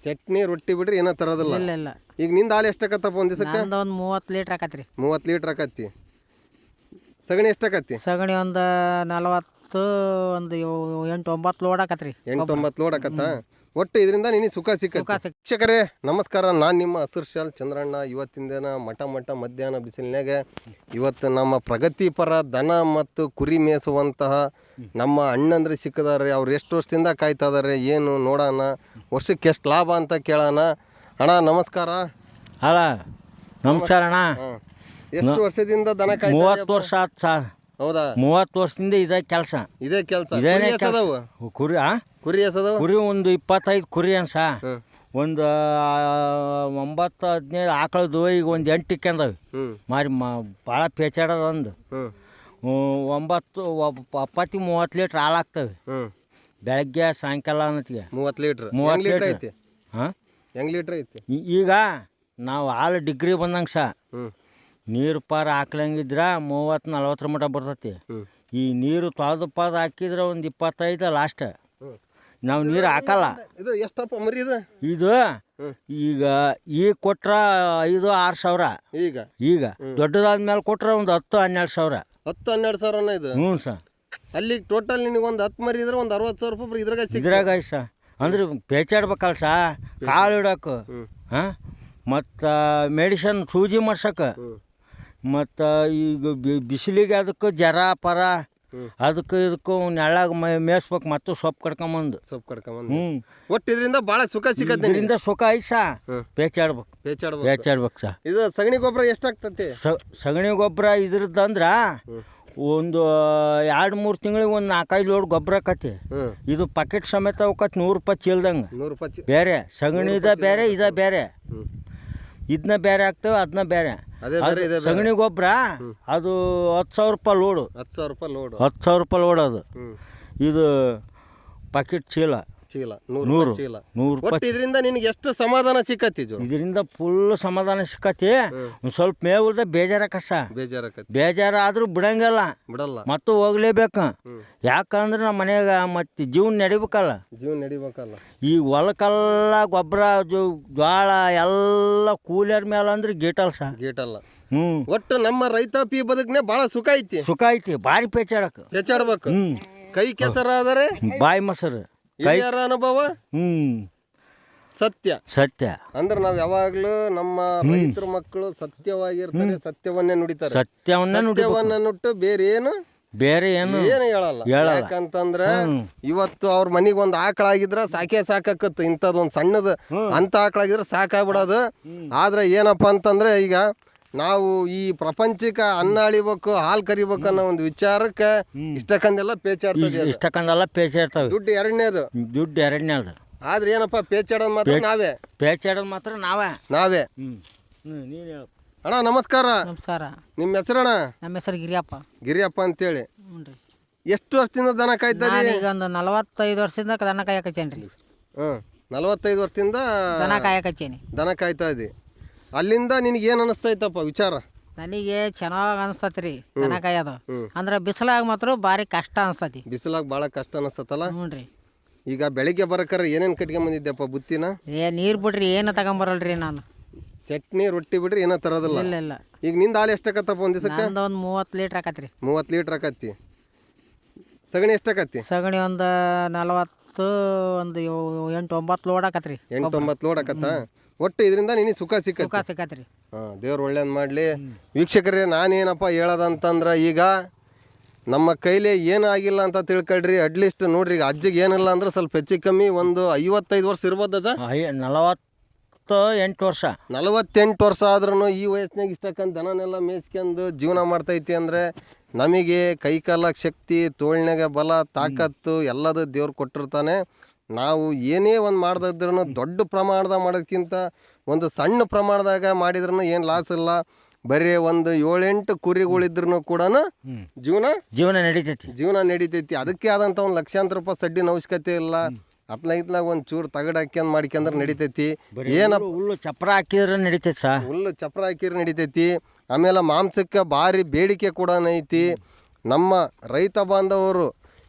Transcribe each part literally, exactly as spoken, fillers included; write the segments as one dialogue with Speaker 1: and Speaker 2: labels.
Speaker 1: ಚಟ್ನಿ ರೊಟ್ಟಿ ಬಿಡ್ರಿ ಏನೋ ತರೋದಿಲ್ಲ.
Speaker 2: ಇಲ್ಲ ಇಲ್ಲ.
Speaker 1: ಈಗ ನಿಂದ ಹಾಲು ಎಷ್ಟಾಕತ್ತಪ್ಪ ಒಂದು ದಿವಸಕ್ಕೆ?
Speaker 2: ನಂದು ಒಂದು ಮೂವತ್ತು ಲೀಟ್ರ್ ಆಕತ್ರಿ.
Speaker 1: ಮೂವತ್ತು ಲೀಟ್ರ್ ಆಕತ್ತಿ. ಸಗಣಿ ಎಷ್ಟಾಕತ್ತಿ?
Speaker 2: ಸಗಣಿ ಒಂದು ನಲವತ್ತು ಒಂದು ಎಂಟು ಒಂಬತ್ತು ಲೋಡ್ ಆಕತ್ರಿ.
Speaker 1: ಎಂಟು ಒಂಬತ್ತು ಲೋಡ್ ಆಕತ್ತ. ಒಟ್ಟು ಇದರಿಂದ ನಿನಗೆ ಸುಖ ಸಿಕ್ಕ. ಶಿಕ್ಷಕರೇ ನಮಸ್ಕಾರ, ನಾನು ನಿಮ್ಮ ಹಸಿರು ಶಾಲ್ ಚಂದ್ರಣ್ಣ. ಇವತ್ತಿನ ದಿನ ಮಠ ಮಠ ಮಧ್ಯಾಹ್ನ ಬಿಸಿಲಿನಾಗ ಇವತ್ತು ನಮ್ಮ ಪ್ರಗತಿಪರ ದನ ಮತ್ತು ಕುರಿ ಮೇಯಿಸುವಂತಹ ನಮ್ಮ ಅಣ್ಣಂದ್ರೆ ಸಿಕ್ಕಿದಾರೆ. ಅವ್ರು ಎಷ್ಟು ವರ್ಷದಿಂದ ಕಾಯ್ತಾ ಇದಾರೆ ಏನು ನೋಡೋಣ, ವರ್ಷಕ್ಕೆ ಎಷ್ಟು ಲಾಭ ಅಂತ ಕೇಳೋಣ. ಅಣ್ಣ ನಮಸ್ಕಾರ.
Speaker 3: ಅಲ್ಲ ನಮಸ್ಕಾರ ಅಣ್ಣ.
Speaker 1: ಎಷ್ಟು ವರ್ಷದಿಂದ ದನ ಕಾಯ್ತಾ?
Speaker 3: ಮೂವತ್ತು ವರ್ಷ ಆಯ್ತು ಸರ್.
Speaker 1: ಹೌದಾ?
Speaker 3: ಮೂವತ್ತು ವರ್ಷದಿಂದ ಇದೇ ಕೆಲಸ.
Speaker 1: ಇದೇ ಕೆಲಸ.
Speaker 3: ಇದೇನೇ ಕುರಿ ಆ
Speaker 1: ಕುರಿ ಎಸದವ?
Speaker 3: ಕುರಿ ಒಂದು ಇಪ್ಪತ್ತೈದು ಕುರಿ ಅನ್ಸ, ಒಂದು ಒಂಬತ್ತು ಹದಿನೈದು ಆಕಳದು, ಈಗ ಒಂದು ಎಂಟು ಇಕ್ಕೊಂಡವೆ ಮಾರಿ. ಮಾ ಭಾಳ ಪೇಚಾಡೋದು. ಒಂದು ಒಂಬತ್ತು ಒಪ್ಪತ್ತು ಮೂವತ್ತು ಲೀಟ್ರ್ ಹಾಲು ಆಗ್ತವೆ ಬೆಳಗ್ಗೆ ಸಾಯಂಕಾಲ ಅನ್ನತ್ತಿಗೆ.
Speaker 1: ಮೂವತ್ತು ಲೀಟ್ರ್
Speaker 3: ಮೂವತ್ತು ಲೀಟ್ರ್ ಐತಿ. ಹಾಂ,
Speaker 1: ಹೆಂಗ್ ಲೀಟ್ರ್ ಐತಿ? ಈಗ
Speaker 3: ನಾವು ಹಾಲು ಡಿಗ್ರಿ ಬಂದಂಗೆ ಸ ನೀರು ಪಾರು ಹಾಕ್ಲಂಗಿದ್ರೆ ಮೂವತ್ತು ನಲ್ವತ್ತರ ಮಟ್ಟ ಬರ್ತೈತಿ. ಈ ನೀರು ತೊಳೆದು ಪಾದ ಹಾಕಿದ್ರೆ ಒಂದು ಇಪ್ಪತ್ತೈದು ಲಾಸ್ಟ್. ನಾವು ನೀರು ಹಾಕಲ್ಲ.
Speaker 1: ಇದು ಎಷ್ಟಪ್ಪ ಮರಿ ಇದು?
Speaker 3: ಇದು ಈಗ ಈಗ ಕೊಟ್ರ ಐದು ಆರು ಸಾವಿರ.
Speaker 1: ಈಗ
Speaker 3: ಈಗ ದೊಡ್ಡದಾದ್ಮೇಲೆ ಕೊಟ್ರೆ ಒಂದು ಹತ್ತು ಹನ್ನೆರಡು ಸಾವಿರ.
Speaker 1: ಹತ್ತು ಹನ್ನೆರಡು ಸಾವಿರನ ಇದು?
Speaker 3: ಹ್ಞೂ ಸರ್.
Speaker 1: ಅಲ್ಲಿ ಟೋಟಲ್ ನಿನಗೆ ಒಂದು ಹತ್ತು ಮರಿ ಇದ್ರೆ ಒಂದು ಅರವತ್ತು ಸಾವಿರ ರೂಪಾಯಿ ಇದ್ರಾಗ
Speaker 3: ಇದ್ರಾಗ ಸ. ಅಂದ್ರೆ ಪೇಚಾಡ್ಬೇಕಲ್ಲ ಸ, ಕಾಳು ಇಡೋಕೆ, ಹಾಂ, ಮತ್ತು ಮೆಡಿಸನ್ ಸೂಜಿ ಮಾಡ್ಸಕ್ಕೆ, ಮತ್ತು ಈಗ ಬಿಸಿಲಿಗೆ ಅದಕ್ಕೆ ಜರ ಪರ ಅದಕ್ಕೆ ಇದಕ್ಕೂ ನೆಳ್ಳಾಗ ಮೇಯಿಸ್ಬೇಕು. ಮತ್ತು ಸೊಪ್ಪು ಕಡ್ಕೊಂಬಂದು
Speaker 1: ಸೊಪ್ಪು ಕಡ್ಕೊಂಬಂದು. ಹ್ಞೂ, ಒಟ್ಟು ಇದರಿಂದ ಭಾಳ ಸುಖ ಸಿಕ್ಕತ್ತೆ.
Speaker 3: ಇದರಿಂದ ಸುಖ ಐತೆ ಸಾ. ಪೇಚಾಡ್ಬೇಕು
Speaker 1: ಪೇಚಾಡ್ಬೇಕು
Speaker 3: ಪೇಚಾಡ್ಬೇಕು ಸಾ.
Speaker 1: ಇದು ಸಗಣಿ ಗೊಬ್ಬರ ಎಷ್ಟಾಗ್ತತಿ?
Speaker 3: ಸಗಣಿ ಗೊಬ್ಬರ ಇದ್ರದ್ದಂದ್ರೆ ಒಂದು ಎರಡು ಮೂರು ತಿಂಗಳಿಗೆ ಒಂದು ನಾಲ್ಕೈದು ಲೋಡ್ ಗೊಬ್ಬರ ಆಕತಿ. ಇದು ಪಾಕೆಟ್ ಸಮೇತ ಹೋಗತ್ತೆ ನೂರು ರೂಪಾಯಿ ಚೀಲ್ದಂಗೆ.
Speaker 1: ನೂರು ರೂಪಾಯಿ
Speaker 3: ಬೇರೆ ಸಗಣಿದ ಬೇರೆ, ಇದ ಬೇರೆ. ಇದನ್ನ ಬೇರೆ ಆಗ್ತವೆ, ಅದನ್ನ ಬೇರೆ. ಸಗಣಿ ಗೊಬ್ಬರ ಅದು ಹತ್ತು ಸಾವಿರ ರೂಪಾಯಿ ಲೋಡು.
Speaker 1: ಹತ್ತು ಸಾವಿರ ರೂಪಾಯಿ ಲೋಡ್
Speaker 3: ಹತ್ತು ಸಾವಿರ ರೂಪಾಯಿ ಲೋಡ್ ಅದು. ಇದು ಪಾಕೆಟ್ ಚೀಲ
Speaker 1: ಚೀಲ
Speaker 3: ನೂರು
Speaker 1: ಚೀಲ
Speaker 3: ನೂರು ರೂಪಾಯಿ.
Speaker 1: ಇದರಿಂದ ನಿನಗೆ ಎಷ್ಟು ಸಮಾಧಾನ ಸಿಕ್ಕತಿ?
Speaker 3: ಇದರಿಂದ ಫುಲ್ ಸಮಾಧಾನ ಸಿಕ್ಕತಿ. ಒಂದು ಸ್ವಲ್ಪ ಮೇವುಲ್ದ ಬೇಜಾರಕಸ
Speaker 1: ಬೇಜಾರಕತಿ.
Speaker 3: ಬೇಜಾರಾದ್ರೂ ಬಿಡಂಗಿಲ್ಲ,
Speaker 1: ಬಿಡಲ್ಲ,
Speaker 3: ಮತ್ತು ಹೋಗ್ಲೇಬೇಕು. ಯಾಕಂದ್ರೆ ನಮ್ಮ ಮನೆಯಾಗ ಮತ್ತೆ ಜೀವನ ನಡಿಬೇಕಲ್ಲ.
Speaker 1: ಜೀವನ ನಡಿಬೇಕಲ್ಲ.
Speaker 3: ಈ ಹೊಲಕ್ಕೆಲ್ಲ ಗೊಬ್ಬರ ಜ್ವಾಳ ಎಲ್ಲ ಕೂಲಿಯರ್ ಮೇಲೆ ಅಂದ್ರೆ ಗೀಟಲ್ ಸ
Speaker 1: ಗೀಟಲ್ಲ.
Speaker 3: ಹ್ಞೂ,
Speaker 1: ಒಟ್ಟು ನಮ್ಮ ರೈತಾಪಿ ಬದುಕನೆ ಭಾಳ ಸುಖ ಐತಿ.
Speaker 3: ಸುಖ ಐತಿ. ಭಾರಿ ಪೇಚಾಡಕ್ಕೆ
Speaker 1: ಪೇಚಾಡ್ಬೇಕು.
Speaker 3: ಹ್ಞೂ,
Speaker 1: ಕೈ ಕೆಸರಾದರೆ
Speaker 3: ಬಾಯಿ ಮೊಸರು.
Speaker 1: ಹಿರಿಯರ ಅನುಭವ
Speaker 3: ಹ್ಮ್
Speaker 1: ಸತ್ಯ.
Speaker 3: ಸತ್ಯ
Speaker 1: ಅಂದ್ರೆ ನಾವ್ ಯಾವಾಗ್ಲೂ ನಮ್ಮ ರೈತರ ಮಕ್ಕಳು ಸತ್ಯವಾಗಿರ್ತಾರೆ, ಸತ್ಯವನ್ನೇ ನುಡಿತಾರೆ.
Speaker 3: ಸತ್ಯವನ್ನ
Speaker 1: ಸತ್ಯವನ್ನ ನುಟ್ಟು ಬೇರೆ ಏನು
Speaker 3: ಬೇರೆ ಏನು
Speaker 1: ಏನು ಹೇಳಲ್ಲ. ಯಾಕಂತಂದ್ರ ಇವತ್ತು ಅವ್ರ ಮನಿಗ್ ಒಂದ್ ಆಕಳಾಗಿದ್ರ ಸಾಕೆ ಸಾಕಾಕತ್ತು. ಇಂಥದ್ ಒಂದ್ ಸಣ್ಣದ ಅಂತ ಆಕಳಾಗಿದ್ರೆ ಸಾಕಾಗ್ಬಿಡೋದು. ಆದ್ರೆ ಏನಪ್ಪಾ ಅಂತಂದ್ರೆ ಈಗ ನಾವು ಈ ಪ್ರಪಂಚಕ್ಕೆ ಅನ್ನ ಅಳಿಬೇಕು, ಹಾಲು ಕರಿಬೇಕು ಅನ್ನೋ ಒಂದು ವಿಚಾರಕ್ಕೆ ಇಷ್ಟಕ್ಕಂದೆಲ್ಲ ಪೇಚಾಡ್ತದೆ.
Speaker 3: ಇಷ್ಟಕ್ಕಂದೆಲ್ಲ ಪೇಚಾಡ್ತಾವೆ.
Speaker 1: ದುಡ್ಡು ಎರಡನೇದು.
Speaker 3: ದುಡ್ಡು ಎರಡನೇದು.
Speaker 1: ಆದ್ರೆ ಏನಪ್ಪ ಪೇಚಾಡೋದು ಮಾತ್ರ ನಾವೇ.
Speaker 3: ಪೇಚಾಡೋದು ಮಾತ್ರ ನಾವೇ
Speaker 1: ನಾವೇ
Speaker 3: ಹ್ಮ್ ಹ್ಮ್ ನೀನು ಹೇಳು.
Speaker 1: ಅಣ್ಣ ನಮಸ್ಕಾರ.
Speaker 2: ನಮಸ್ಕಾರ.
Speaker 1: ನಿಮ್ಮ ಹೆಸರಣ್ಣ?
Speaker 2: ನಮ್ಮ ಹೆಸರು ಗಿರಿಯಪ್ಪ.
Speaker 1: ಗಿರಿಯಪ್ಪ ಅಂತೇಳಿ.
Speaker 2: ಹ್ಞೂ ರೀ.
Speaker 1: ಎಷ್ಟು ವರ್ಷದಿಂದ ದನ ಕಾಯ್ತಾರೆ?
Speaker 2: ಈಗ ಒಂದು ನಲವತ್ತೈದು ವರ್ಷದಿಂದ ದನ ಕಾಯಕಚ್ಚೇನಿ ರೀ.
Speaker 1: ಹ್ಞೂ, ನಲವತ್ತೈದು ವರ್ಷದಿಂದ
Speaker 2: ದನ ಕಾಯಕಚ್ಚೇನಿ.
Speaker 1: ದನ ಕಾಯ್ತಾ ಇದ್ದಿ. ಅಲ್ಲಿಂದ ನಿನಗೆ ಏನು ಅನಿಸ್ತೈತಪ್ಪ ವಿಚಾರ?
Speaker 2: ನನಗೆ ಚೆನ್ನಾಗಿ ಅನಿಸ್ತತಿ ರೀ ದನ ಕಾಯೋದು. ಅಂದ್ರೆ ಬಿಸಿಲಾಗ ಮಾತ್ರ ಭಾರಿ ಕಷ್ಟ ಅನಿಸ್ತತಿ.
Speaker 1: ಬಿಸಿಲಾಗ ಭಾಳ ಕಷ್ಟ ಅನಿಸ್ತತಲ್ಲ?
Speaker 2: ಹ್ಞೂ ರೀ.
Speaker 1: ಈಗ ಬೆಳಿಗ್ಗೆ ಬರಕರ ಏನೇನು ಕಟ್ಕೊಂಬಂದಿದ್ದೆಪ್ಪ ಬುತ್ತಿನ?
Speaker 2: ಏ ನೀರು ಬಿಡ್ರಿ ಏನು ತಗೊಂಬರಲ್ರಿ ನಾನು.
Speaker 1: ಚಟ್ನಿ ರೊಟ್ಟಿ ಬಿಡ್ರಿ ಏನೋ ತರೋದಿಲ್ಲ?
Speaker 2: ಇಲ್ಲ ಇಲ್ಲ.
Speaker 1: ಈಗ ನಿಂದ ಹಾಲು ಎಷ್ಟಾಕತ್ತಪ್ಪ ಒಂದು ದಿವಸಕ್ಕೆ?
Speaker 2: ಒಂದು ಮೂವತ್ತು ಲೀಟ್ರ್ ಆಕತ್ರಿ.
Speaker 1: ಮೂವತ್ತು ಲೀಟ್ರ್ ಆಕತ್ತಿ. ಸಗಣಿ ಎಷ್ಟಾಕತ್ತಿ?
Speaker 2: ಸಗಣಿ ಒಂದು ನಲವತ್ತು ಒಂದು ಎಂಟು ಒಂಬತ್ತು ಲೋಡ್ ಆಕತ್ರಿ.
Speaker 1: ಎಂಟು ಒಂಬತ್ತು ಲೋಡ್ ಆಕತ್ತ. ಒಟ್ಟು ಇದರಿಂದ ನಿನಗೆ ಸುಖ ಸಿಕ್ಕ
Speaker 2: ಸುಖ ಸಿಕ್ಕತ್ರಿ.
Speaker 1: ಹಾಂ, ದೇವ್ರು ಒಳ್ಳೇದು ಮಾಡಲಿ. ವೀಕ್ಷಕರೇ, ನಾನೇನಪ್ಪ ಹೇಳೋದಂತಂದ್ರೆ ಈಗ ನಮ್ಮ ಕೈಲಿ ಏನೂ ಆಗಿಲ್ಲ ಅಂತ ತಿಳ್ಕೊಳ್ರಿ. ಅಟ್ಲೀಸ್ಟ್ ನೋಡ್ರಿ, ಈಗ ಅಜ್ಜಿಗೆ ಏನಿಲ್ಲ ಅಂದ್ರೆ ಸ್ವಲ್ಪ ಹೆಚ್ಚು ಕಮ್ಮಿ ಒಂದು ಐವತ್ತೈದು ವರ್ಷ ಇರ್ಬೋದು ಅಜ್ಜ?
Speaker 3: ನಲವತ್ತು ಎಂಟು ವರ್ಷ.
Speaker 1: ನಲವತ್ತೆಂಟು ವರ್ಷ ಆದ್ರೂ ಈ ವಯಸ್ಸಿನಾಗ ಇಷ್ಟಕ್ಕಂತ ದನನೆಲ್ಲ ಮೇಯಿಸ್ಕೊಂಡು ಜೀವನ ಮಾಡ್ತೈತಿ ಅಂದರೆ ನಮಗೆ ಕೈಕಾಲ ಶಕ್ತಿ, ತೋಳ್ನಾಗ ಬಲ, ತಾಕತ್ತು ಎಲ್ಲದು ದೇವ್ರು ಕೊಟ್ಟಿರ್ತಾನೆ. ನಾವು ಏನೇ ಒಂದು ಮಾಡ್ದಿದ್ರು ದೊಡ್ಡ ಪ್ರಮಾಣದಾಗ ಮಾಡೋದಕ್ಕಿಂತ ಒಂದು ಸಣ್ಣ ಪ್ರಮಾಣದಾಗ ಮಾಡಿದ್ರೂ ಏನು ಲಾಸ್ ಇಲ್ಲ. ಬರೀ ಒಂದು ಏಳೆಂಟು ಕುರಿಗಳಿದ್ರು ಕೂಡ ಜೀವನ
Speaker 3: ಜೀವನ ನಡೀತೈತಿ
Speaker 1: ಜೀವನ ನಡೀತೈತಿ ಅದಕ್ಕೆ ಆದಂಥ ಒಂದು ಲಕ್ಷಾಂತರ ರೂಪಾಯಿ ಸಡ್ಡಿನ ಅವಶ್ಯಕತೆ ಇಲ್ಲ. ಹತ್ಲ ಇತ್ಲಾಗ ಒಂದು ಚೂರು ತಗಡು ಹಾಕ್ಯಂದು ಮಾಡ್ಕೊಂಡ್ರೆ ನಡೀತೈತಿ. ಏನಪ್ಪ
Speaker 3: ಹುಲ್ಲು ಚಪ್ರ ಹಾಕಿದ್ರೆ ನಡೀತೈತಿ ಸಾ.
Speaker 1: ಹುಲ್ಲು ಚಪ್ರ ಹಾಕಿದ್ರೆ ನಡೀತೈತಿ. ಆಮೇಲೆ ಮಾಂಸಕ್ಕೆ ಭಾರಿ ಬೇಡಿಕೆ ಕೂಡ ಐತಿ. ನಮ್ಮ ರೈತ ಬಾಂಧವರು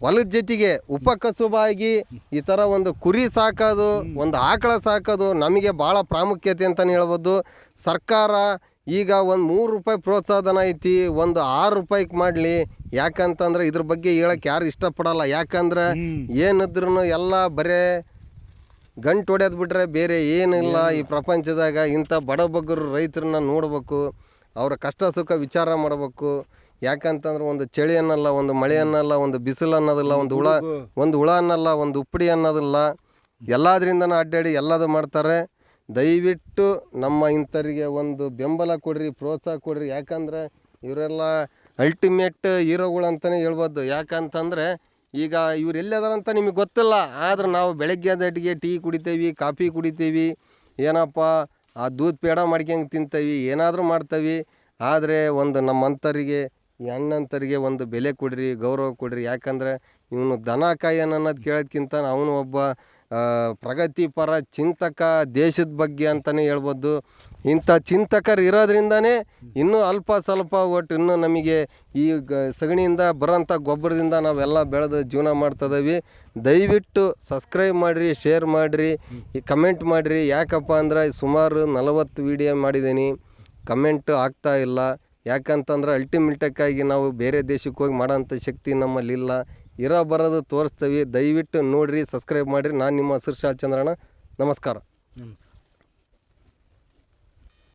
Speaker 1: ಹೊಲದ ಜೊತೆಗೆ ಉಪಕಸುಬಾಗಿ ಈ ಥರ ಒಂದು ಕುರಿ ಸಾಕೋದು ಒಂದು ಆಕಳ ಸಾಕೋದು ನಮಗೆ ಭಾಳ ಪ್ರಾಮುಖ್ಯತೆ ಅಂತಲೇ ಹೇಳ್ಬೋದು. ಸರ್ಕಾರ ಈಗ ಒಂದು ಮೂರು ರೂಪಾಯಿ ಪ್ರೋತ್ಸಾಹಧನ ಐತಿ, ಒಂದು ಆರು ರೂಪಾಯಿಗೆ ಮಾಡಲಿ. ಯಾಕಂತಂದ್ರೆ ಇದ್ರ ಬಗ್ಗೆ ಹೇಳಕ್ಕೆ ಯಾರು ಇಷ್ಟಪಡಲ್ಲ. ಯಾಕಂದ್ರೆ ಏನಿದ್ರು ಎಲ್ಲ ಬರೇ ಗಂಟು ಹೊಡೆಯೋದು ಬಿಟ್ರೆ ಬೇರೆ ಏನಿಲ್ಲ ಈ ಪ್ರಪಂಚದಾಗ. ಇಂಥ ಬಡಬಗ್ಗರು ರೈತರನ್ನ ನೋಡ್ಬೇಕು, ಅವರ ಕಷ್ಟ ಸುಖ ವಿಚಾರ ಮಾಡಬೇಕು. ಯಾಕಂತಂದ್ರೆ ಒಂದು ಚಳಿ ಅನ್ನಲ್ಲ, ಒಂದು ಮಳೆ ಅನ್ನಲ್ಲ, ಒಂದು ಬಿಸಿಲು ಅನ್ನೋದಿಲ್ಲ, ಒಂದು ಹುಳ ಒಂದು ಹುಳ ಅನ್ನಲ್ಲ, ಒಂದು ಉಪ್ಪಡಿ ಅನ್ನೋದಿಲ್ಲ. ಎಲ್ಲದರಿಂದನೂ ಅಡ್ಡಾಡಿ ಎಲ್ಲದು ಮಾಡ್ತಾರೆ. ದಯವಿಟ್ಟು ನಮ್ಮ ಇಂಥವ್ರಿಗೆ ಒಂದು ಬೆಂಬಲ ಕೊಡ್ರಿ, ಪ್ರೋತ್ಸಾಹ ಕೊಡ್ರಿ. ಯಾಕಂದ್ರೆ ಇವರೆಲ್ಲ ಅಲ್ಟಿಮೇಟ್ ಹೀರೋಗಳು ಅಂತಲೇ ಹೇಳ್ಬೋದು. ಯಾಕಂತಂದರೆ ಈಗ ಇವ್ರು ಎಲ್ಲದಾರಂತ ನಿಮಗೆ ಗೊತ್ತಿಲ್ಲ, ಆದ್ರೆ ನಾವು ಬೆಳಗ್ಗೆ ದಟ್ಟಿಗೆ ಟೀ ಕುಡಿತೀವಿ, ಕಾಫಿ ಕುಡಿತೀವಿ, ಏನಪ್ಪ ಆ ದೂದ್ ಪೇಡ ಮಾಡ್ಕೊಂಡು ತಿಂತೀವಿ, ಏನಾದರೂ ಮಾಡ್ತೀವಿ. ಆದರೆ ಒಂದು ನಮ್ಮಂಥರಿಗೆ ಈ ಅಣ್ಣಂತರಿಗೆ ಒಂದು ಬೆಲೆ ಕೊಡ್ರಿ, ಗೌರವ ಕೊಡ್ರಿ. ಯಾಕಂದರೆ ಇವನು ದನ ಕಾಯನ್ ಅನ್ನೋದು ಕೇಳೋದ್ಕಿಂತ ಅವನು ಒಬ್ಬ ಪ್ರಗತಿಪರ ಚಿಂತಕ, ದೇಶದ ಬಗ್ಗೆ ಅಂತಲೇ ಹೇಳ್ಬೋದು. ಇಂಥ ಚಿಂತಕರು ಇರೋದ್ರಿಂದನೇ ಇನ್ನೂ ಅಲ್ಪ ಸ್ವಲ್ಪ ಒಟ್ಟು ಇನ್ನೂ ನಮಗೆ ಈ ಗ ಸಗಣಿಯಿಂದ ಬರೋಂಥ ಗೊಬ್ಬರದಿಂದ ನಾವೆಲ್ಲ ಬೆಳೆದು ಜೀವನ ಮಾಡ್ತಿದ್ದೀವಿ. ದಯವಿಟ್ಟು ಸಬ್ಸ್ಕ್ರೈಬ್ ಮಾಡಿರಿ, ಶೇರ್ ಮಾಡಿರಿ, ಈ ಕಮೆಂಟ್ ಮಾಡಿರಿ. ಯಾಕಪ್ಪ ಅಂದ್ರೆ ಸುಮಾರು ನಲವತ್ತು ವೀಡಿಯೋ ಮಾಡಿದ್ದೀನಿ, ಕಮೆಂಟು ಆಗ್ತಾ ಇಲ್ಲ. ಯಾಕಂತಂದ್ರೆ ಅಲ್ಟಿಮೇಟಕ್ಕಾಗಿ ನಾವು ಬೇರೆ ದೇಶಕ್ಕೆ ಹೋಗಿ ಮಾಡೋಂಥ ಶಕ್ತಿ ನಮ್ಮಲ್ಲಿಲ್ಲ. ಇರೋ ಬರೋದು ತೋರಿಸ್ತೀವಿ. ದಯವಿಟ್ಟು ನೋಡಿರಿ, ಸಬ್ಸ್ಕ್ರೈಬ್ ಮಾಡಿರಿ. ನಾನು ನಿಮ್ಮ ಹಸಿರು ಶಾಲ್ ಚಂದ್ರಣ್ಣ. ನಮಸ್ಕಾರ.